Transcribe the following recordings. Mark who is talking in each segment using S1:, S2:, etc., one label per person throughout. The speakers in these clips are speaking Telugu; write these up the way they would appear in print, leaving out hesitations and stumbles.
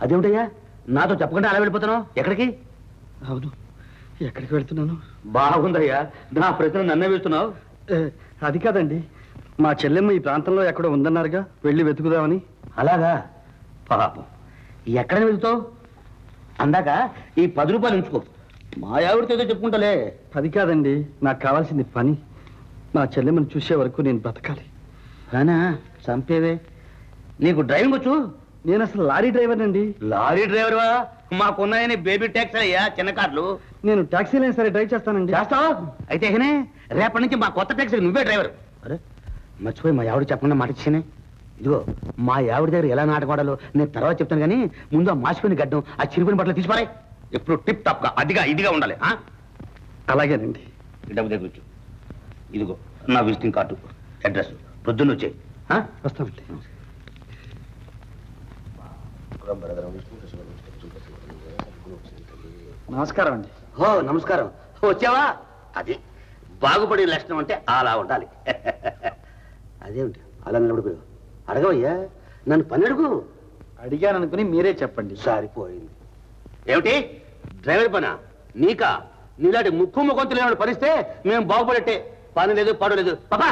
S1: అదేమిటయ్యా నాతో చెప్పకుండా అలా వెళ్ళిపోతున్నావు? ఎక్కడికి?
S2: అవును, ఎక్కడికి వెళ్తున్నాను?
S1: బాగుందయ్యా, నా ప్రశ్న నన్నే వేస్తున్నావు.
S2: అది కాదండి, మా చెల్లెమ్మ ఈ ప్రాంతంలో ఎక్కడో ఉందన్నారుగా, వెళ్ళి వెతుకుదామని.
S1: అలాగా? పాపం, ఎక్కడ వెళ్తావు? అందాక ఈ 10 రూపాయలు ఉంచుకో, మా ఆవిడతో ఏదో చెప్పుకుంటాలే.
S2: అది కాదండి, నాకు కావాల్సింది పని. మా చెల్లెమ్మని చూసే వరకు నేను బ్రతకాలి.
S1: రానా చంపేవే. నీకు డ్రైవింగ్ వచ్చు?
S2: నేను అసలు లారీ డ్రైవర్ అండి.
S1: లారీ డ్రైవర్వా? మాకున్నాయని బేబీ ట్యాక్సీ అయ్యా, చిన్న కార్లు.
S2: నేను టాక్సీలైనా సరే డ్రైవ్ చేస్తానండి.
S1: చేస్తావా? అయితే రేపటి నుంచి మా కొత్త ట్యాక్సీకి నువ్వే డ్రైవర్. అరే మర్చిపోయి మా ఆవిడ చెప్పకుండా మాట ఇచ్చానే. ఇదిగో మా ఆవిడ దగ్గర ఎలా నాటకూడాలో నేను తర్వాత చెప్తాను, కానీ ముందు ఆ మాసిపోయిన గడ్డం, ఆ చిరిగిన బట్టలు తీసిపారాయి. ఎప్పుడు టిప్ టాప్ గా అదిగా ఇదిగా ఉండాలి.
S2: అలాగేనండి.
S1: డబ్బు దగ్గర వచ్చు. ఇదిగో నా విజిటింగ్ కార్డు, అడ్రస్. పొద్దున్న వచ్చాయి.
S2: వస్తామండి. నమస్కారం అండి.
S1: ఓ నమస్కారం. వచ్చావా? అది బాగుపడే లక్షణం అంటే అలా ఉండాలి. అదేమిటి అలా నిలబడిపోయావు? అడగవయ్యా, నన్ను పని అడుగు.
S2: అడిగాననుకుని మీరే చెప్పండి.
S1: సారిపోయింది. ఏమిటి డ్రైవర్ పనా? నీకా? నీలాంటి ముక్కు ముఖంతులు ఏమైనా పరిస్తే మేము బాగుపడట్టే. పని లేదు, పాడు లేదు. పాపా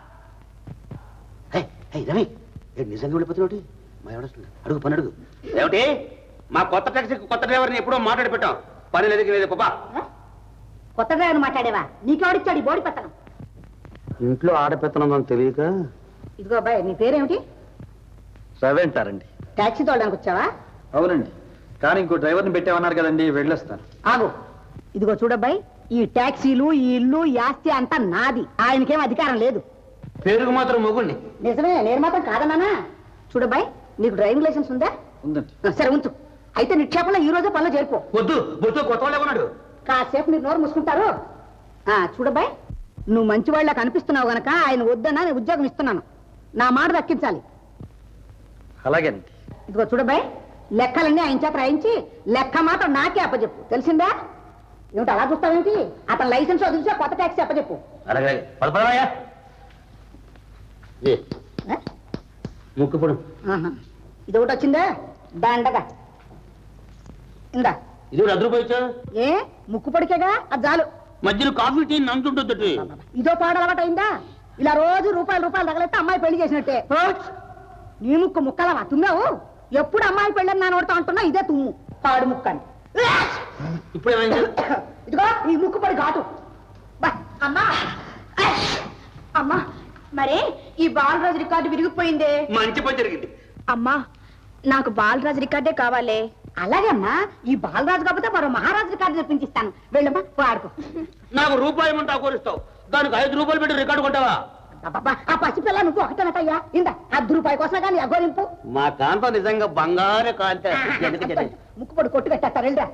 S1: రవి, నిజంగా వెళ్ళిపోతున్నావు? మా ఎవడొస్తుంది? అడుగు, పని అడుగు. ఏమిటి? మా కొత్త టాక్సీకి కొత్త డ్రైవర్ని ఎప్పుడో మాట్లాడి పెట్టాం. పని లేదు లేదు. పాపా
S3: కొత్త డ్రైవర్ మాట్లాడేవా? నీకెవడిచ్చాడు ఈ బోడి పెత్తనం?
S1: ఇంట్లో ఆడపెత్తనం తెలియక.
S3: ఇదిగో అబ్బాయి, నీ పేరేమిటి?
S2: రవి అంటారండి.
S3: టాక్సీ తోడడానికి వచ్చావా?
S2: అవునండి, కానీ ఇంకో డ్రైవర్ని పెట్టామన్నారు కదండి, వెళ్ళొస్తాను.
S3: ఆగు. ఇదిగో చూడబ్బాయి, ఈ టాక్సీలు, ఈ ఇల్లు, ఈ ఆస్తి అంతా నాది. ఆయనకేం అధికారం లేదు.
S1: పేరుకు మాత్రం మొగుణ్ణి.
S3: నిజమే, నేను మాత్రం కాదన్నానా? చూడబ్బాయి, నీకు డ్రైవింగ్ లైసెన్స్ ఉందా?
S2: ఉందండి.
S3: సరే ఉంచు. అయితే నిక్షేపంలో ఈ రోజే పనిలో చేరుకో.
S1: వద్దు వద్దు, కొత్త వాళ్ళే ఉన్నాడు.
S3: కాసేపు మీరు నోరు మూసుకుంటారు. చూడబ్బాయి, నువ్వు మంచివాళ్ళకి అనిపిస్తున్నావు గనక ఆయన వద్దన్నా నేను ఉద్యోగం ఇస్తున్నాను. నా మాట దక్కించాలి.
S2: అలాగేనండి.
S3: ఇదిగో చూడబ్బాయి, లెక్కలన్నీ ఆయన చేత రాయించి లెక్క మాత్రం నాకే అప్పచెప్పు, తెలిసిందా? ఏమిటి అలా చూస్తావేంటి? అతను లైసెన్స్ వదిలిసా కొత్త ట్యాక్సీ అప్పచెప్పు.
S1: అలాగే పదపడవయ్యా. ముక్కు పొడు.
S3: ఇది ఒకటి వచ్చిందా? దండగా ఇందా.
S1: ఇది కూడా 10 రూపాయలు ఇచ్చా?
S3: ఏ ముక్కు పొడికేగా, అది చాలు.
S1: మధ్యలో కాఫీ టీ నంచుంటుంది.
S3: ఇదో పాడు అలవాటు అయిందా? ఇలా రోజు రూపాయలు తగలేస్తే అమ్మాయి పెళ్లి చేసినట్టే. నీ ముక్కు ముక్కలవా? తుమ్మావు? ఎప్పుడు అమ్మాయి పెళ్ళని నా నోడుతా అంటున్నా, ఇదే తుమ్ము, పాడు ముక్క అని.
S1: ఇప్పుడు
S3: ఇదిగో ఈ ముక్కు పడి ఘాటు.
S4: అమ్మా అమ్మా, మరే ఈ బాలరాజు రికార్డు విరిగిపోయిందే.
S1: మంచి పని జరిగింది.
S4: అమ్మా, నాకు బాలరాజు రికార్డే కావాలే.
S3: అలాగే అమ్మా, ఈ బాలరాజు కాకపోతే మరో మహారాజు రికార్డు తెప్పించిస్తాను. వెళ్ళమ్మా, వాడుకో.
S1: నాకు రూపాయి మంటా కోరిస్తావు, దానికి 5 రూపాయలు పెట్టి రికార్డు కొంటావా?
S3: ఆ పసిపిల్ల నువ్వు ఒకటేనటయ్యా. ఇందా 10 రూపాయల కోసం కానీ అగోరింపు.
S1: మా కాంత నిజంగా బంగారు కాంత.
S3: ముక్కు పడి కొట్టు కట్టేస్తారు. వెళ్ళరా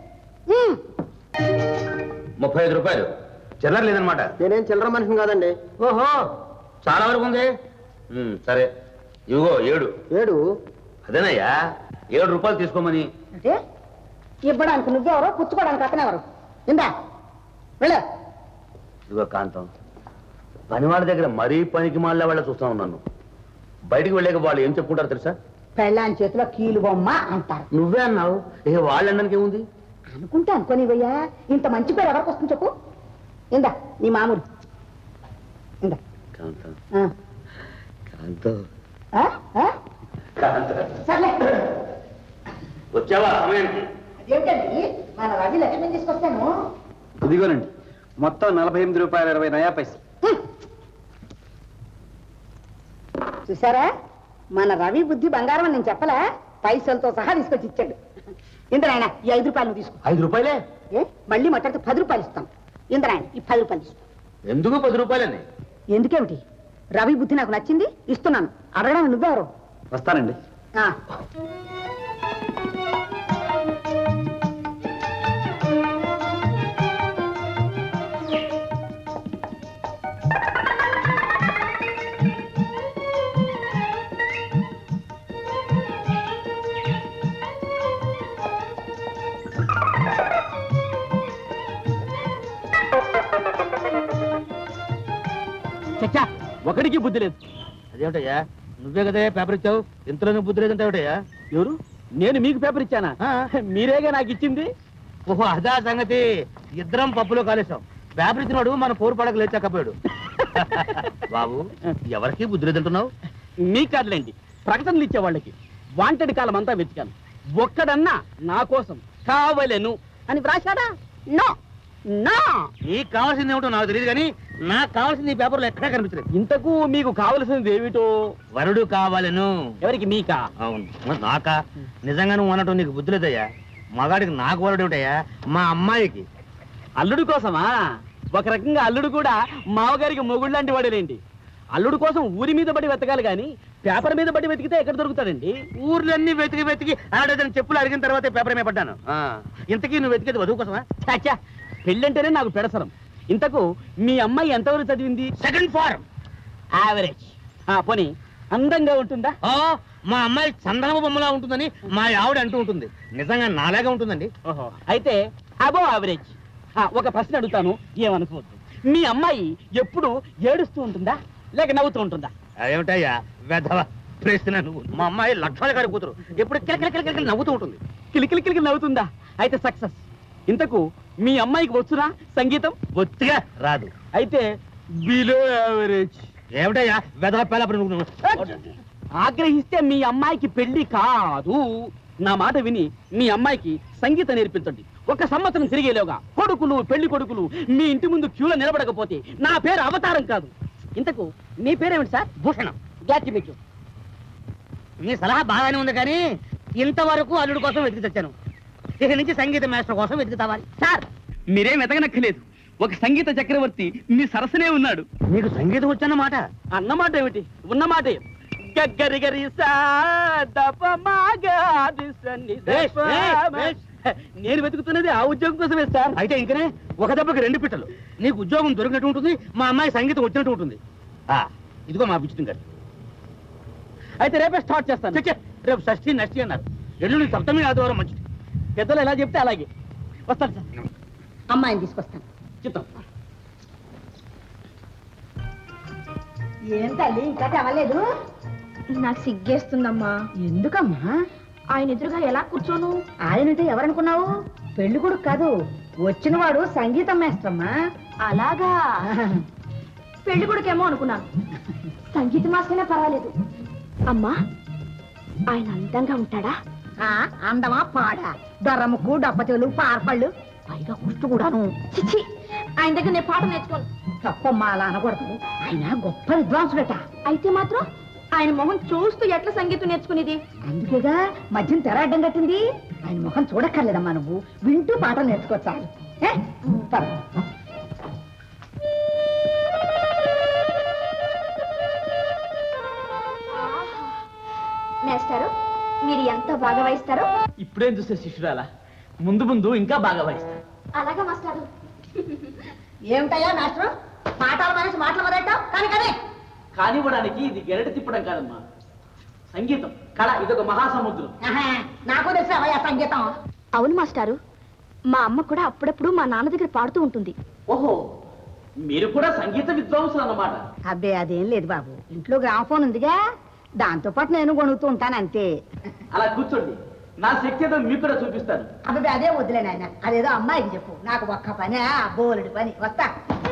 S1: 35 రూపాయలు చిల్లర లేదనమాట.
S2: నేనేం చిల్లర మనిషిని కాదండి.
S1: ఓహో, చాలా వరకు ఉంది. సరే ఇదిగో 7. అదేనయ్యా, 7 రూపాయలు తీసుకోమని.
S3: అంటే ఇవ్వడానికి నువ్వెవరో, పుచ్చుకోవడానికి అతనెవరు? ఇందా వెళ్ళ.
S1: ఇదిగో కాంతం, పని వాళ్ళ దగ్గర మరీ పనికి మాళ్ళ వాళ్ళ చూస్తా ఉన్నాను. బయటికి వెళ్ళాక వాళ్ళు ఏం చెప్పుకుంటారు తెలుసా?
S3: పెళ్ళాని చేతిలో కీలు బొమ్మ అంటారు.
S1: నువ్వే అన్నావు, వాళ్ళు అనడానికి ఏముంది?
S3: అనుకుంటే అనుకోనివయ్యా, ఇంత మంచి పేరు ఎవరికి వస్తుంది చెప్పు. ఇందా నీ మామూలు. ఇందా
S1: కాంతం.
S3: సర్లే,
S1: వచ్చావా సమయానికి?
S3: అదేంటండి మన రవి లక్ష్మి తీసుకొస్తాను.
S2: ఇదిగోనండి, మొత్తం 48 రూపాయలు 20 నయా పైసలు.
S3: చూసారా, మన రవి బుద్ధి బంగారం అని నేను చెప్పలా? పైసలతో సహా తీసుకొచ్చి ఇచ్చాడు. ఇంద్రాయణ, ఈ 5 రూపాయలు తీసుకో.
S1: 5 రూపాయలే?
S3: మళ్ళీ మాట్లాడితే 10 రూపాయలు ఇస్తాం. ఇంద్రాయణ, ఈ 10 రూపాయలు తీసుకో.
S1: ఎందుకు 10 రూపాయలని?
S3: ఎందుకేమిటి? రవి బుద్ధి నాకు నచ్చింది, ఇస్తున్నాను. అడగడం నువ్వెవరు?
S2: వస్తానండి.
S1: చచ్చా, ఒకడికి బుద్ధి లేదు. అదేమిటయ్యా, నువ్వే కదా పేపర్ ఇచ్చావు, ఇంతలోనే బుద్ధి లేదంటే ఏమిటయ్యా?
S2: ఎవరు? నేను మీకు పేపర్ ఇచ్చానా మీరేగా నాకు ఇచ్చింది.
S1: ఓహో అదా సంగతి. ఇద్దరం పప్పులో కాలేసాం. పేపర్ ఇచ్చినాడు మన పోరు పడక లేచకపోయాడు. బాబు ఎవరికి బుద్ధి లేదంటున్నావు?
S2: మీ కాదులేండి, ప్రకటనలు ఇచ్చే వాళ్ళకి. వాంటెడ్ కాలం అంతా వెతికాను, ఒక్కడన్నా నా కోసం కావలేను అని వ్రాశాడా? No no.
S1: నీకు కావాల్సింది ఏమిటో నాకు తెలియదు కానీ నాకు కావాల్సింది ఈ పేపర్లో ఎక్కడా కనిపించలేదు.
S2: ఇంతకు మీకు కావలసింది ఏమిటో?
S1: వరుడు కావాలను.
S2: ఎవరికి? మీకా?
S1: అవును. మరి నాకా? నిజంగా నువ్వు అనటం నీకు బుద్ధి లేదయ్యా. మగాడికి నాకు వరుడు ఏమిటయ్యా? మా అమ్మాయికి.
S2: అల్లుడు కోసమా? ఒక రకంగా అల్లుడు కూడా మావగారికి మొగుడు లాంటి వాడేలేండి. అల్లుడు కోసం ఊరి మీద పడి వెతకాలి కానీ పేపర్ మీద పడి వెతికితే ఎక్కడ దొరుకుతాడండి?
S1: ఊర్లన్నీ వెతికి వెతికి ఆడదని చెప్పులు అడిగిన తర్వాత పేపర్ మీద పడ్డాను. ఇంతకీ నువ్వు వెతికేది వధువు కోసమా?
S2: చాచా, పెళ్ళంటేనే నాకు పెడసరం. ఇంతకు మీ అమ్మాయి ఎంతవరకు చదివింది?
S1: Second form.
S2: యావరేజ్. పోనీ అందంగా ఉంటుందా?
S1: మా అమ్మాయి చందనమ బొమ్మలా ఉంటుందని మా ఆవిడ అంటూ ఉంటుంది. నిజంగా నాలాగా ఉంటుందండి.
S2: ఓహో, అయితే అబో యావరేజ్. ఒక ప్రశ్న అడుగుతాను, ఏమనుకోవద్దు. మీ అమ్మాయి ఎప్పుడు ఏడుస్తూ ఉంటుందా లేక నవ్వుతూ ఉంటుందా?
S1: ఏమిటయ్యా వెధవ ప్రశ్న నువ్వు? మా అమ్మాయి లక్ష్మణ గారి కూతురు. ఎప్పుడు కిలకిల నవ్వుతూ ఉంటుంది.
S2: కిలికిలి కిలికిలి నవ్వుతుందా? అయితే సక్సెస్. ఇంతకు మీ అమ్మాయికి వచ్చునా సంగీతం?
S1: బొత్తిగా రాదు.
S2: అయితే బిలో యావరేజ్.
S1: ఏమిటయ్యా వెధవ పేలపడి నువ్వు?
S2: ఆగ్రహిస్తే మీ అమ్మాయికి పెళ్లి కాదు. నా మాట విని మీ అమ్మాయికి సంగీతం నేర్పించండి. 1 సంవత్సరం తిరిగేలోగా కొడుకులు పెళ్లి కొడుకులు మీ ఇంటి ముందు క్యూలో నిలబడకపోతే నా పేరు అవతారం కాదు. ఇంతకు మీ పేరేమిటి సార్?
S1: భూషణం.
S2: గ్యాట్ మీకు.
S1: మీ సలహా బాగానే ఉంది కానీ ఇంతవరకు అల్లుడు కోసం వెతికి తెచ్చాను. ఇక నుంచి సంగీత మాస్టర్ కోసం వెతికి తవ్వాలి.
S2: సార్ మీరేం వెతకనక్కలేదు. ఒక సంగీత చక్రవర్తి మీ సరసనే ఉన్నాడు.
S1: నీకు సంగీతం వచ్చన్నమాట?
S2: అన్నమాట ఏమిటి, ఉన్నమాటే. గగ్గరిగరి నేను వెతుకుతున్నది ఆ ఉద్యోగం కోసమే సార్.
S1: అయితే ఇంకనే ఒక దెబ్బకి 2 పిట్టలు. నీకు ఉద్యోగం దొరికినట్టు ఉంటుంది, మా అమ్మాయి సంగీతం వచ్చినట్టు ఉంటుంది. ఇదిగో మా విచిత్రం గారు.
S2: అయితే రేపే స్టార్ట్ చేస్తాను.
S1: చచ్చే, రేపు షష్ఠి నష్టి అన్నారు. ఎల్లుండి సప్తమి ఆదివారం మంచిది.
S2: పెద్దలు ఎలా చెప్తే అలాగే. వస్తాను సార్.
S3: అమ్మాయిని తీసుకొస్తాను.
S2: చెప్తాం.
S3: ఏం తల్లి ఇంకా తెవలేదు?
S4: నాకు సిగ్గేస్తుందమ్మా.
S3: ఎందుకమ్మా?
S4: ఆయన ఎదురుగా ఎలా కూర్చోను?
S3: ఆయనంటే ఎవరనుకున్నావు? పెళ్లి కొడుకు కాదు, వచ్చినవాడు సంగీతం మేస్త్రమ్మా.
S4: అలాగా? పెళ్లి కొడుకేమో అనుకున్నాను. సంగీత మాస్టర్నే పర్వాలేదు. అమ్మా, ఆయన అందంగా ఉంటాడా?
S3: అందమా పాడా? దొర్రముక్కు డబ్బచెలు పార్పళ్ళు పైగా కుష్టు కూడాను.
S4: చిచ్చి, ఆయన దగ్గర నేను పాట నేర్చుకోను.
S3: తప్పమ్మా అలా అనకూడదు. ఆయన గొప్ప విద్వాంసుడట.
S4: అయితే మాత్రం ఆయన మొహం చూస్తూ ఎట్లా సంగీతం నేర్చుకునేది?
S3: అందుకేగా మధ్యం తెర అడ్డం కట్టింది. ఆయన ముఖం చూడక్కర్లేదమ్మా, నువ్వు వింటూ పాటలు నేర్చుకోవచ్చు.
S4: మేస్టారు, మీరు ఎంత బాగా వాయిస్తారో.
S2: ఇప్పుడేం చూసే శిష్యురాలా, ముందు ముందు ఇంకా బాగా వాయిస్తాను.
S4: అలాగా మాస్టారు.
S3: ఏమిటయ్యా మాస్టర్, పాఠాలు మనిషి మాటలు మొదలెట్టావు? కానీ కానీ
S2: కానివ్వడానికి ఇది గెరటి తిప్పడం కాదమ్మా, సంగీతం కళ. ఇదొక మహాసముద్రం.
S3: నాకు తెలుసు అవయ్యా సంగీతం.
S4: అవును మాస్టారు, మా అమ్మ కూడా అప్పుడప్పుడు మా నాన్న దగ్గర పాడుతూ ఉంటుంది.
S2: ఓహో, మీరు కూడా సంగీత విద్వాంసులు అన్నమాట.
S3: అబ్బే అదేం లేదు బాబు, ఇంట్లో గ్రామఫోన్ ఉందిగా, దాంతో పాటు నేను కొనుగుతూ ఉంటాను అంతే.
S2: అలా కూర్చోండి, నా శక్తి ఏదో మీకు కూడా చూపిస్తాను.
S3: అబ్బాయి అదే వద్దులే నాయన, అదేదో అమ్మాయికి చెప్పు. నాకు ఒక్క పని, బోలెడు పని. వస్తా.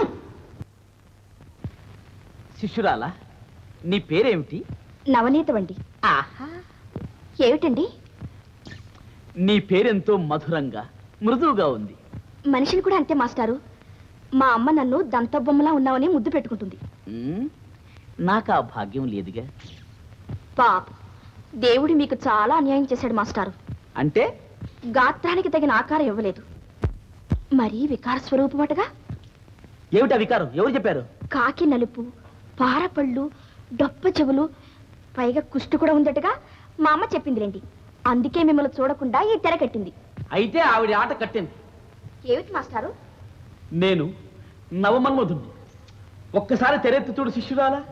S2: శిష్యురాలా, నీ పేరేమిటి?
S4: నవనీత వండి.
S3: ఆహా,
S4: ఏమిటండి?
S2: నీ పేరెంతో మధురంగా మృదువుగా ఉంది.
S4: మనిషిని కూడా అంతే మాస్టారు. మా అమ్మ నన్ను దంతబొమ్మలా ఉన్నావని ముద్దు పెట్టుకుంటుంది.
S2: నాకు ఆ భాగ్యం లేదుగా.
S4: పాప, దేవుడు మీకు చాలా అన్యాయం చేశాడు మాస్టారు.
S2: అంటే?
S4: గాత్రానికి తగిన ఆకారం ఇవ్వలేదు. మరీ వికార స్వరూపమటగా.
S2: ఏమిటా వికారం? ఎవరు చెప్పారు?
S4: కాకి నలుపు, పారపళ్ళు, డొప్ప చెవులు, పైగా కుష్టు కూడా ఉందటగా మా అమ్మ చెప్పిందిలేండి. అందుకే మిమ్మల్ని చూడకుండా ఈ తెర కట్టింది.
S2: అయితే ఆవిడ ఆట కట్టింది.
S4: ఏమిటి మాస్టారు?
S2: నేను నవమన్మధుణ్ణి. ఒక్కసారి తెరెత్తి చూడు శిష్యురాలా.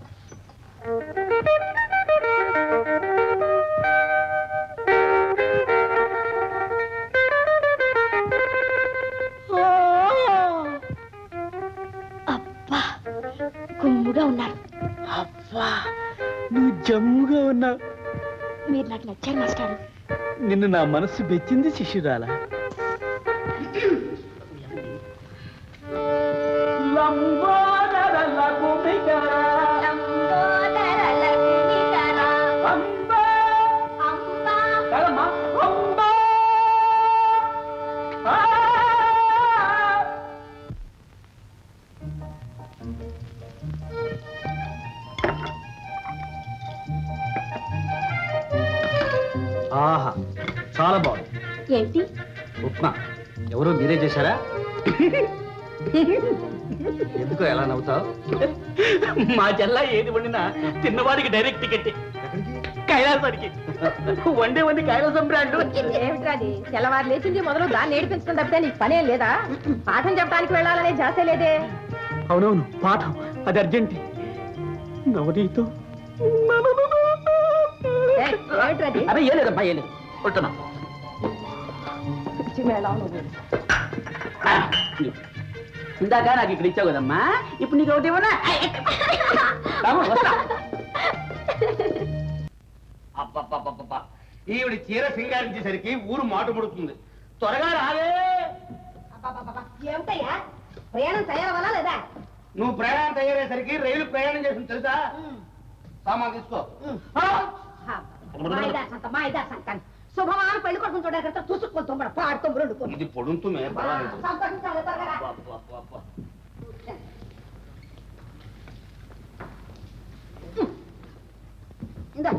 S4: అబ్బా, గుమ్ముగా ఉన్నారు.
S2: అబ్బా, నువ్వు జమ్ముగా ఉన్నావు.
S4: మీరు నాకు నచ్చారు మాస్టారు.
S2: నిన్ను నా మనస్సు బెచ్చింది శిష్యురాల.
S5: ఆహా, చాలా బాగుంది.
S4: ఏంటి?
S5: ఉప్మా ఎవరు మీరే చేశారా? ఎందుకో ఎలా నవ్వుతావు?
S2: మా చెల్ల ఏది వండినా తిన్నవాడికి డైరెక్ట్ టికెట్ కైలాసానికి. వండి కైలాసం బ్రాండ్.
S3: ఏమిట్రాది తెల్లవారు లేచింది మొదలు దాన్ని ఏడిపించడం తప్పితే నీకు పనేం లేదా? పాఠం చెప్పడానికి వెళ్ళాలనే జాసే లేదే.
S2: అవునవును, పాఠం అది అర్జెంట్. నవనీతో
S3: ఏమిట్రాది?
S2: అదే ఏ లేదమ్మా, ఏ లేదు. కొట్టున్నా. ఇందాక నాకు ఇక్కడ ఇచ్చావు కదమ్మా, ఇప్పుడు నీకు ఒకటి ఇవ్వనా?
S1: అబ్బబ్బబ్బబ్బా, ఈవిడ చీర సింగారించేసరికి ఊరు మాటు ముడుతుంది. త్వరగా రాలే.
S3: ఏమిటయ్యా ప్రయాణం తయారవ్వాలా లేదా?
S1: నువ్వు ప్రయాణం తయారయ్యేసరికి రైలు ప్రయాణం చేసింది తెలుసా? సామాన్ తీసుకో.
S3: శుభమాన పెళ్లి కొడుకుని చూడక తుసుకొని తుమ్మడ పాడుతూ రెండు
S1: ఇది పొడుంతుమే పర్వాలేదు.
S3: సంతోషించాలి త్వరగా.
S1: అబ్బబ్బబ్బబ్బా.
S3: ఇందా.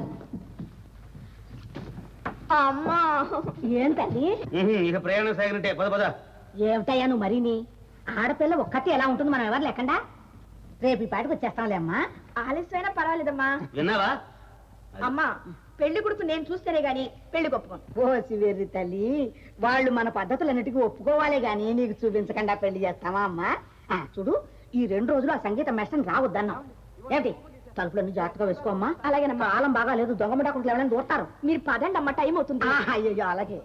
S4: అమ్మా,
S3: ఏం తల్లి?
S1: ఇక ప్రయాణం సాగినట్టే. పద పద.
S3: ఏమిటయ్యా నువ్వు మరీని? ఆడపిల్ల ఒక్కతే ఎలా ఉంటుంది మనం ఎవరు లేకుండా? రేపు ఈ పాటికి వచ్చేస్తాంలే అమ్మా.
S4: ఆలస్యమైనా పర్వాలేదమ్మా.
S1: విన్నావా?
S4: అమ్మా, పెళ్లి కొడుకు నేను చూస్తేనే గాని పెళ్లి ఒప్పుకోను.
S3: ఓ శివేరి తల్లి, వాళ్ళు మన పద్ధతులన్నిటికీ ఒప్పుకోవాలే గాని నీకు చూపించకుండా పెళ్లి చేస్తావా అమ్మా? చూడు, ఈ 2 రోజులు ఆ సంగీత మెస్టన్ రావద్దన్నావు. ఏమిటి? తలుపులన్నీ జాగ్రత్తగా వేసుకోమ్మా.
S4: అలాగేనమ్మా.
S3: కాలం బాగా లేదు, దొంగమడాకుండా ఎవరైనా దూరతారు.
S4: మీరు పదండి అమ్మ, టైం అవుతుంది.
S3: అయ్యో అలాగే.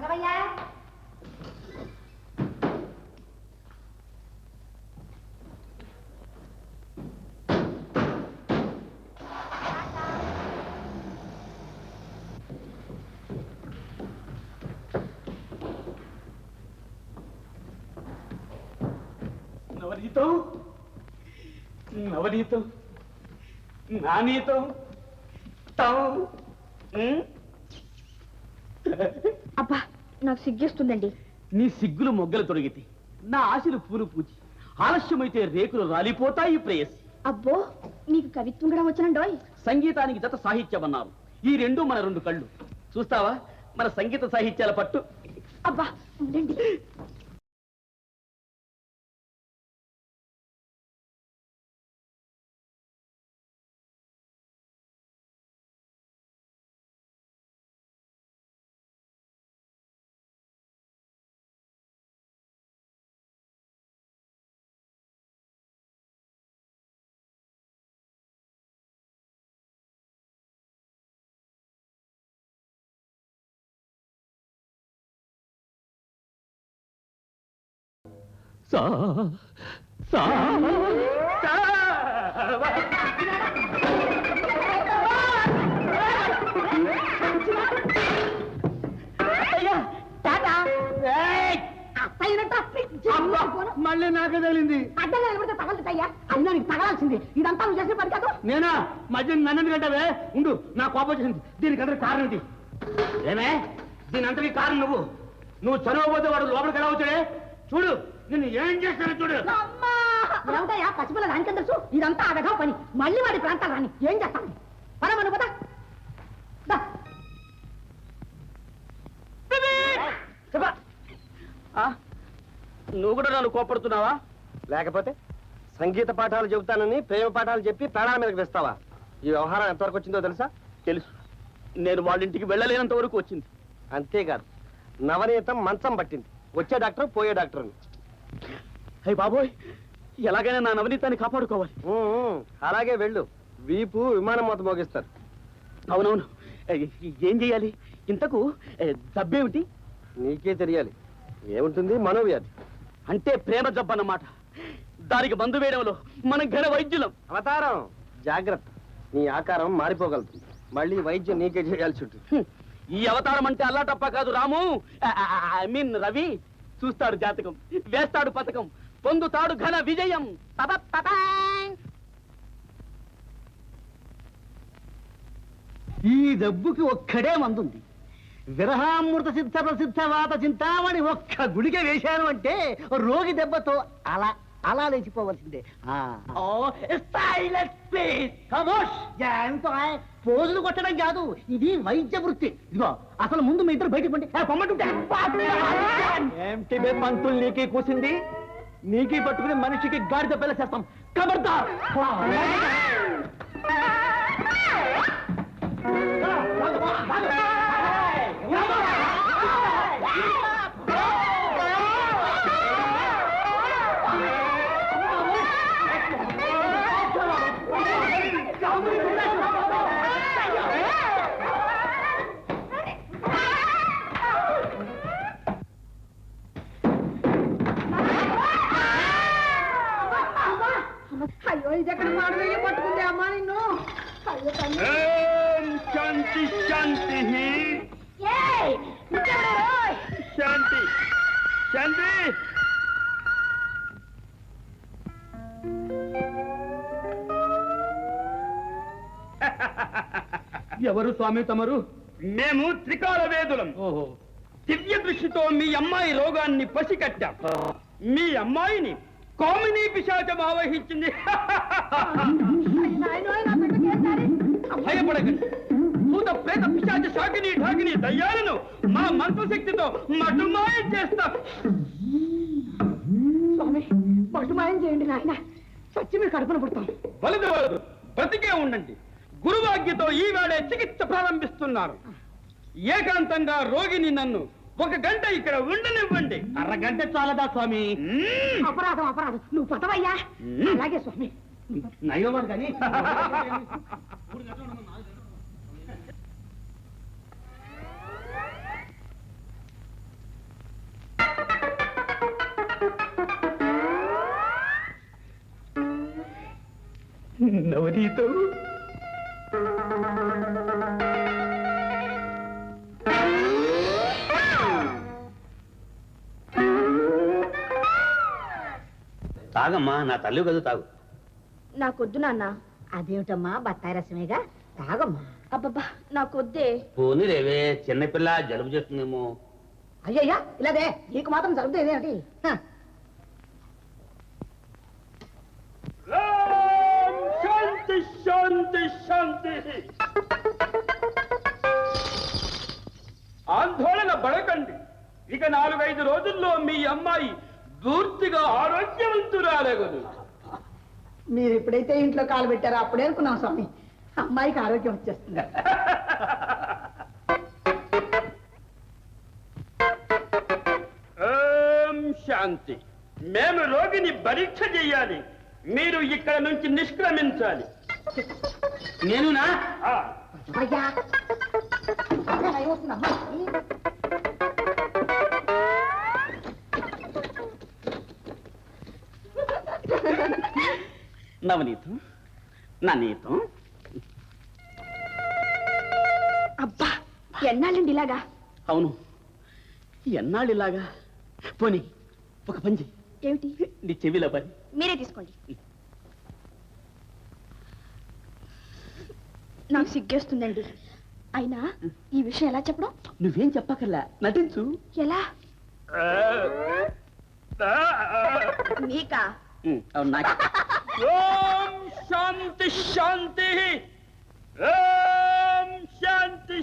S2: నవనీతం, నవనీతం, నానీతం.
S4: అబ్బా, నాకు సిగ్గేస్తుందండి.
S2: నీ సిగ్గులు మొగ్గలు తొడిగితే నా ఆశలు పూలు పూచి, ఆలస్యమైతే రేకులు రాలిపోతాయి ప్రేయసి.
S4: అబ్బో, నీకు కవిత్వం కూడా వచ్చనండోయ్.
S2: సంగీతానికి జత సాహిత్యం అన్నారు. ఈ రెండు మన 2 కళ్ళు. చూస్తావా మన సంగీత సాహిత్యాల పట్టు?
S4: అబ్బా ఉండండి.
S2: సా సా
S1: మళ్ళీ నాకే తగిలింది.
S3: అడ్డంగా నిలబడితే తగలుతాయ్యా. అయినా నీకు తగలాల్సింది. ఇదంతా నువ్వు చేసిన పని కాదు.
S1: నేనా మధ్య నన్ను కంటావే? ఉండు, నా కోపం వచ్చింది. దీనికి అందరికి కారణం ఇది. ఏమే, దీని అంతటి కారణం నువ్వు చదవబోతే వాడు లోపలికి ఎలా వచ్చాడే? చూడు, నిన్ను ఏం చేస్తానో చూడు.
S3: ఏమిటయ్యా పసిపిల్ల దానికేం తెలుసు? ఇదంతా అడగా పని. మళ్ళీ వాడి ప్రాంతాలు రాని ఏం చేస్తాను? పరమను పద.
S2: నువ్వు కూడా నన్ను కోపడుతున్నావా?
S5: లేకపోతే సంగీత పాఠాలు చెబుతానని ప్రేమ పాఠాలు చెప్పి ప్రాణాల మీదకి తెస్తావా? ఈ వ్యవహారం ఎంతవరకు వచ్చిందో తెలుసా?
S2: తెలుసు. నేను వాళ్ళ ఇంటికి వెళ్ళలేనంత వరకు వచ్చింది.
S5: అంతేకాదు, నవనీతం మంచం పట్టింది. వచ్చే డాక్టర్ పోయే డాక్టర్ అని.
S2: అయ్య బాబోయ్, ఎలాగైనా నా నవనీతాన్ని కాపాడుకోవాలి.
S5: అలాగే వెళ్ళు, వీపు విమానం మొత్తం మోగిస్తారు.
S2: అవునవును, ఏం చెయ్యాలి? ఇంతకు జబ్బేమిటి?
S5: నీకే తెలియాలి. ఏముంటుంది? మనోవ్యాధి.
S2: అంటే ప్రేమ జబ్బు అన్నమాట. దానికి మందు వేయడంలో మనం ఘన వైద్యులం.
S5: అవతారం జాగ్రత్త, నీ ఆకారం మారిపోగలుగుతుంది. మళ్ళీ వైద్యం నీకే చేయాల్సి ఉంటుంది.
S2: ఈ అవతారం అంటే అల్లాటప్ప కాదు రాము, ఐ మీన్ రవి. చూస్తాడు జాతకం, వేస్తాడు పథకం, పొందుతాడు ఘన విజయం.
S6: ఈ డబ్బుకి ఒక్కడే మందుంది. విరహామృత సిద్ధ ప్రసిద్ధ వాత చింతామణి ఒక్క గుడిక వేశాను అంటే రోగి దెబ్బతో అలా అలా లేచిపోవలసిందే. పోజులు కొట్టడం కాదు, ఇది వైద్య వృత్తి. ఇదిగో అసలు ముందు మీ ఇద్దరు బయటకు పండి పొమ్మంటుంటే ఏమిటి బే పంతులు నీకే కూసింది. నీకే పట్టుకుని మనిషికి గాడిద పిల్ల చేస్తాం. ఖబర్దార్.
S3: అయ్యో ఇది ఎక్కడ మాడవేయ పట్టుకుంది అమ్మా నిన్ను. అయ్యో తల్లి.
S2: శాంతి శాంతి
S4: ఏయ్, నువ్వెవరు రోయ్?
S2: శాంతి శాంతి.
S6: ఎవరు స్వామి తమరు?
S2: మేము త్రికాల వేదులం.
S6: ఓహో,
S2: దివ్య దృష్టితో మీ అమ్మాయి రోగాన్ని పసికట్టాం. మీ అమ్మాయిని కామినీ పిశాచం ఆవహించింది. భయపడకండి, భూత ప్రేత పిశాచ శాకిని ఢాకిని దయ్యాలను మా మంత్రశక్తితో మటుమాయం చేస్తాం.
S3: స్వామి పట్టుమాయం చేయండి నాయన, చచ్చి మీరు కడుపున పుడతాం.
S2: వలదు వలదు, బ్రతికే ఉండండి. గురువాజ్ఞతో ఈవేళ చికిత్స ప్రారంభిస్తున్నారు. ఏకాంతంగా రోగిని నన్ను 1 గంట ఇక్కడ ఉండనివ్వండి.
S6: అరగంట చాలదా స్వామి?
S3: అపరాధం అపరాధం, నువ్వు పదవయ్యా. అలాగే స్వామి.
S6: నయ్యవాడు కానీ
S2: నవనీతం
S1: తాగమ్మా, నా తల్లి కదా, తాగు.
S4: నాకొద్దు నాన్న.
S3: అదేమిటమ్మా, బత్తాయి రసమేగా, తాగమ్మా.
S4: అబ్బబ్బా నాకొద్దే.
S1: పోనీ రేవే, చిన్నపిల్ల జలుబు చేస్తుందేమో.
S3: అయ్యయ్యా ఇలాగే నీకు మాత్రం జరుగుతుంది ఏమిటి?
S2: శాంతి శాంతి శాంతి. ఆందోళన పడకండి. ఇక 4-5 రోజుల్లో మీ అమ్మాయి పూర్తిగా ఆరోగ్యవంతురాలగదు.
S3: మీరు ఎప్పుడైతే ఇంట్లో కాలు పెట్టారో అప్పుడే అనుకున్నాం స్వామి, అమ్మాయికి ఆరోగ్యం వచ్చేస్తుంది.
S2: ఓం శాంతి. మేము రోగిని పరీక్ష చెయ్యాలి. మీరు ఇక్కడ నుంచి నిష్క్రమించాలి.
S1: నేనునా?
S2: ఆ,
S3: అయ్యా అదే భయం వస్తుంది అమ్మాయి.
S2: నవనీతం, నా నీతం.
S4: అబ్బా ఎన్నాళ్ళండి ఇలాగా?
S2: అవును, ఎన్నాళ్ళు ఇలాగా? పోనీ ఒక పని చెయ్యి.
S4: ఏమిటి?
S2: నీ చెవిలో పని.
S4: మీరే తీసుకోండి. నాకు సిగ్గేస్తుందండి. అయినా ఈ విషయం ఎలా చెప్పడం?
S2: నువ్వేం చెప్పకల్లా, నటించు.
S4: ఎలా? మీకా?
S2: అవును, నాకు. ఓం శాంతి శాంతి. ఓం శాంతి.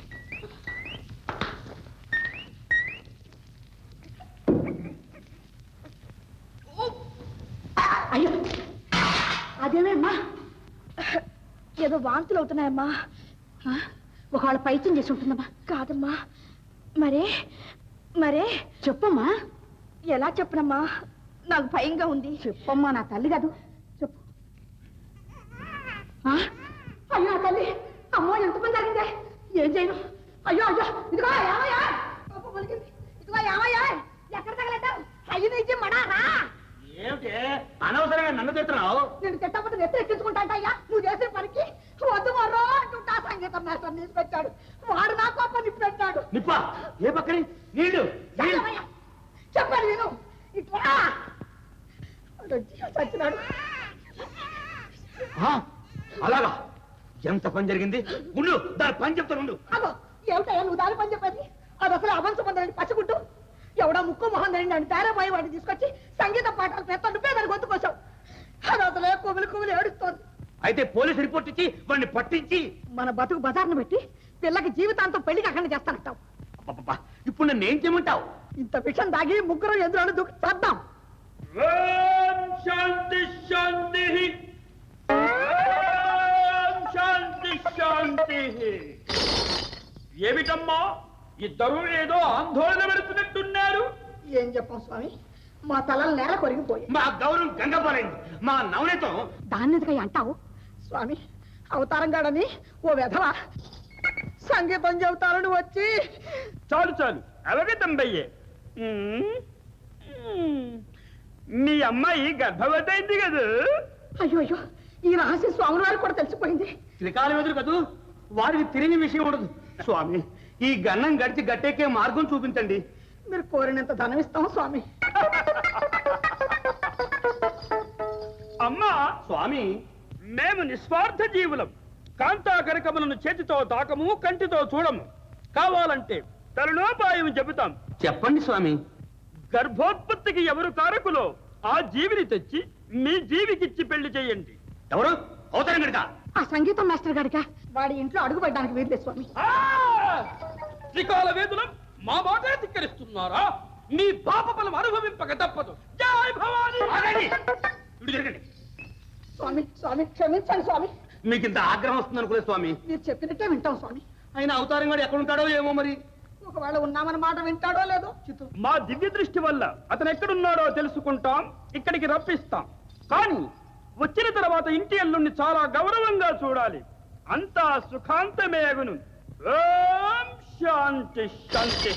S3: అయ్యో అదేమేమ్మా,
S4: ఏదో వాంతులు అవుతున్నాయమ్మా.
S3: ఒకవేళ పైత్యం చేసి ఉంటుందమ్మా.
S4: కాదమ్మా. మరే మరే
S3: చెప్పమ్మా.
S4: ఎలా చెప్పనమ్మా? నాకు భయంగా ఉంది.
S3: చెప్పమ్మా, నా తల్లి కాదు, చెప్పు. అయ్యో నా తల్లి, అమ్మో ఎంత పని జరిగిందే, ఏం చేయను? అయ్యో అయ్యో, ఇదిగో ఏమయ్యా, పాపం పలికింది. ఇదిగో ఏమయ్యా, ఎక్కడ తగలట్టావు? అయ్యి నుంచి మడారా.
S1: ఏమిటి అనవసరంగా నన్ను తిడుతున్నావు?
S3: నేను తిట్టకపోతే నెత్తి ఎక్కించుకుంటాంటయ్యా నువ్వు చేసే పనికి. వద్దు మరో అంటుంటా సంగీతం మాస్టర్ తీసుకొచ్చాడు. వాడు నా కోపం నిప్పాడు.
S1: నిప్పా ఏ పక్కని నీళ్లు నీళ్లు.
S3: చెప్పాలి నేను ఇట్లా చచ్చినాడు.
S1: ఆ, అలాగా ఎంత పని జరిగింది ఉండు దాని పని చెప్తాను.
S3: అగో ఏమిటయ్యా నువ్వు దాని పని చెప్పేది? అది అసలు అవంశమందని పచ్చగుట్టు ఎవడా ముక్కు మొహం దండి తేరపోయి వాడిని తీసుకొచ్చి సంగీత పాఠాలు పెద్ద నువ్వే దాని గొంతుకోసావు. అది అసలే కుమిలి కుమిలి ఏడుస్తోంది.
S1: అయితే పోలీసు రిపోర్ట్ ఇచ్చి వాడిని పట్టించి
S3: మన బతుకు బజార్ను పెట్టి పిల్లకి జీవితాంతం పెళ్లికి అక్కడ చేస్తానంటావు.
S1: అబ్బబ్బబ్బా, ఇప్పుడు నన్ను ఏం చేయమంటావు?
S3: ఇంత విషయం దాగి ముగ్గురు ఎదురు దూకి చేద్దాం.
S2: శాంతి శాంతి శాంతి శాంతి. ఏమిటమ్మా ఇద్దరు ఏదో ఆందోళన పెడుతున్నట్టున్నారు?
S3: ఏం చెప్పాం స్వామి, మా తలలు నేల కొరిగిపోయి.
S1: మా గౌరవం గంగపాలైంది, మా నవనీతం.
S3: దాన్ని ఎందుకై అంటావు స్వామి? అవతారం గాడని ఓ వెధవ సంగీతం చెబుతారని వచ్చి
S2: చాలు చాలు అలాగే తంబయ్యే. మీ అమ్మాయి గర్భవతి అయింది కదా?
S3: అయ్యో అయ్యో, ఈ రహస్యం స్వామి వారికి కూడా తెలిసిపోయింది.
S1: త్రికాలం ఎదురు కదూ, వారికి తెలియని విషయం ఉండదు. స్వామి, ఈ గన్నం గడిచి గట్టెక్కే మార్గం చూపించండి.
S3: మీరు కోరినంత ధనం ఇస్తాం స్వామి.
S2: అమ్మా
S1: స్వామి,
S2: మేము నిస్వార్థ జీవులం. కాంతాకరకములను చేతితో తాకము, కంటితో చూడము. కావాలంటే తరుణోపాయం చెబుతాం.
S1: చెప్పండి స్వామి.
S2: గర్భోత్పత్తికి ఎవరు కారకులో ఆ జీవిని తెచ్చి మీ జీవికిచ్చి పెళ్లి చేయండి.
S1: ఎవరు? అవతారం గడిక.
S3: ఆ సంగీతం మాస్టర్ గారిక వాడి ఇంట్లో అడుగు పెట్టడానికి వీర్లే స్వామి.
S2: త్రికాల వేదులం మా మాట ధిక్కరిస్తున్నారా? మీ పాప బలం అనుభవింపక తప్పదు. జై భవానీ.
S1: ఆగండి. ఇటు జరగండి.
S3: స్వామి స్వామి క్షమించండి స్వామి.
S1: మీకు ఇంత ఆగ్రహం వస్తుంది అనుకోలేదు స్వామి.
S3: మీరు చెప్పినట్టే వింటాం స్వామి.
S1: ఆయన అవతారం గడు ఎక్కడ ఉంటాడో ఏమో మరి.
S3: ఒకవేళ ఉన్నామన్న మాట వింటాడో లేదో చిత్తు.
S2: మా దివ్య దృష్టి వల్ల అతను ఎక్కడున్నాడో తెలుసుకుంటాం, ఇక్కడికి రప్పిస్తాం. కానీ వచ్చిన తర్వాత ఇంటి అల్లుణ్ణి చాలా గౌరవంగా చూడాలి. అంతా సుఖాంతమే అగును. ఓం శాంతి శాంతి.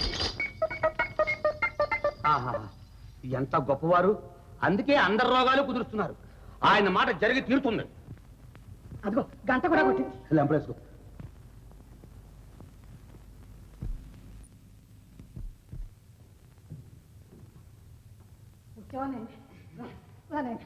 S1: ఆహా, ఎంత గొప్పవారు. అందుకే అందరి రోగాలు కుదురుస్తున్నారు. ఆయన మాట జరిగి తీరుతుంది.
S3: అదిగో గంట కూడా కొట్టింది.
S1: లెంపలేసుకో.
S3: కూర్చోనండి. రానండి.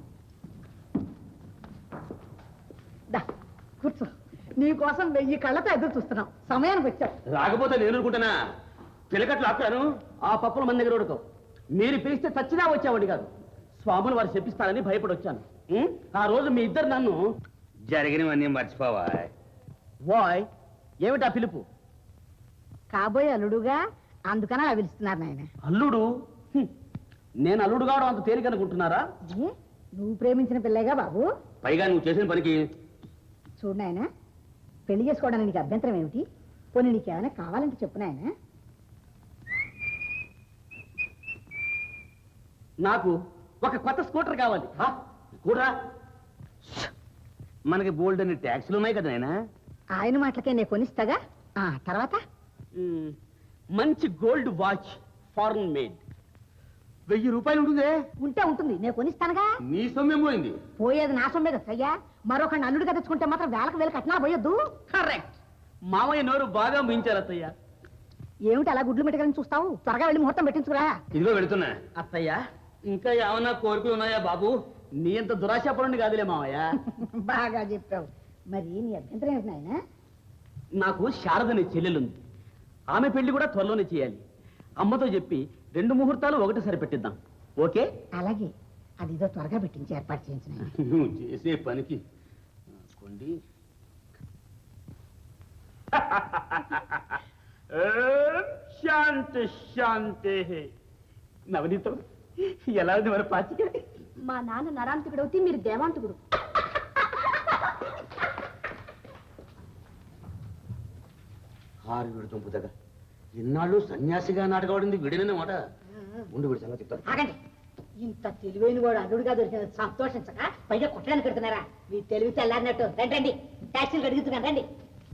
S3: దా కూర్చో. నీకోసం 1000 కళ్ళతో ఎదురు చూస్తున్నాం. సమయానికి వచ్చావు.
S1: రాకపోతే నేను అనుకుంటానా? పిలకట్లు ఆపుతాను.
S2: ఆ పప్పుల మన దగ్గర ఉడకవు. మీరు పిలిస్తే చచ్చినా వచ్చావండి కాదు. స్వాములు వారు చెప్పిస్తారని భయపడి వచ్చాను. ఆ రోజు మీ ఇద్దరు నన్ను
S1: జరిగినవన్నీ మర్చిపోవా.
S2: వాయ్ ఏమిటా పిలుపు?
S3: కాబోయే అల్లుడుగా అందుకని అలా పిలుస్తున్నారు నాయన.
S2: అల్లుడు? నేను అల్లుడు కావడం అంత తేలిక అనుకుంటున్నారా?
S3: నువ్వు ప్రేమించిన పిల్లేగా బాబు.
S1: పైగా నువ్వు చేసిన పనికి
S3: చూడు నాయన, పెళ్లి చేసుకోవడానికి నీకు అభ్యంతరం ఏమిటి? పోనీ నీకేమైనా కావాలంటే చెప్పు నాయన.
S2: నాకు ఒక కొత్త స్కూటర్ కావాలి.
S1: కూడా మనకి బోల్డ్ అని ట్యాక్సీలు ఉన్నాయి కదా నాయనా.
S3: ఆయన మాటలకే నేను కొనిస్తాగా. తర్వాత
S2: మంచి గోల్డ్ వాచ్, ఫారెన్ మేడ్.
S1: 1000 రూపాయలు ఉంటుందే.
S3: ఉంటే ఉంటుంది, నేను కొనిస్తానుగా.
S1: నీ సొమ్మేం పోయింది.
S3: పోయేది నా సొమ్మే కదా అయ్యా. మరొక అల్లుడిగా తెచ్చుకుంటే మాత్రం వేలకు కట్నాలు పోయొద్దు.
S2: కరెక్ట్. మామయ్య నోరు బాగా మించారు అత్తయ్య.
S3: ఏమిటి అలా గుడ్లు మెట్టగలని చూస్తావు? త్వరగా వెళ్ళి ముహూర్తం పెట్టించుకురా.
S1: ఇదిగో వెళుతున్నా.
S2: అత్తయ్య ఇంకా ఏమన్నా కోరికలు ఉన్నాయా బాబు? నీ అంత దురాశాపరుణ్ణి కాదులే మామయ్య.
S3: బాగా చెప్పావు. మరి నీ అభ్యంతరం ఏంటి నాయన?
S2: నాకు శారదని చెల్లెలుంది. ఆమె పెళ్లి కూడా త్వరలోనే చేయాలి. అమ్మతో చెప్పి 2 ముహూర్తాలు ఒకటి సరిపెట్టిద్దాం. ఓకే?
S3: అలాగే, అదిదో త్వరగా పెట్టించి ఏర్పాటు చేయించిన.
S1: నువ్వు చేసే పనికి కొండి.
S2: శాంతి శాంతి. నవనీతం ఎలా ఉంది మరి పాచిక?
S4: మా నాన్న నరాంతకుడు అవుతే మీరు దేవాంతకుడు.
S1: హారు వీడు చంపుదగా ఇన్నాళ్ళు సన్యాసిగా నాటకవాడింది వీడిననే మాట. ఉండి వీడి సంగతి చెప్తాను.
S3: ఆగండి. ఇంత తెలివైన వాడు అల్లుడుగా దొరికిన సంతోషించక పైగా కుట్టడానికి కడుతున్నారా? మీ తెలివి తెల్లారినట్టు. రండి టాక్సీలు అడుగుతున్నాను రండి.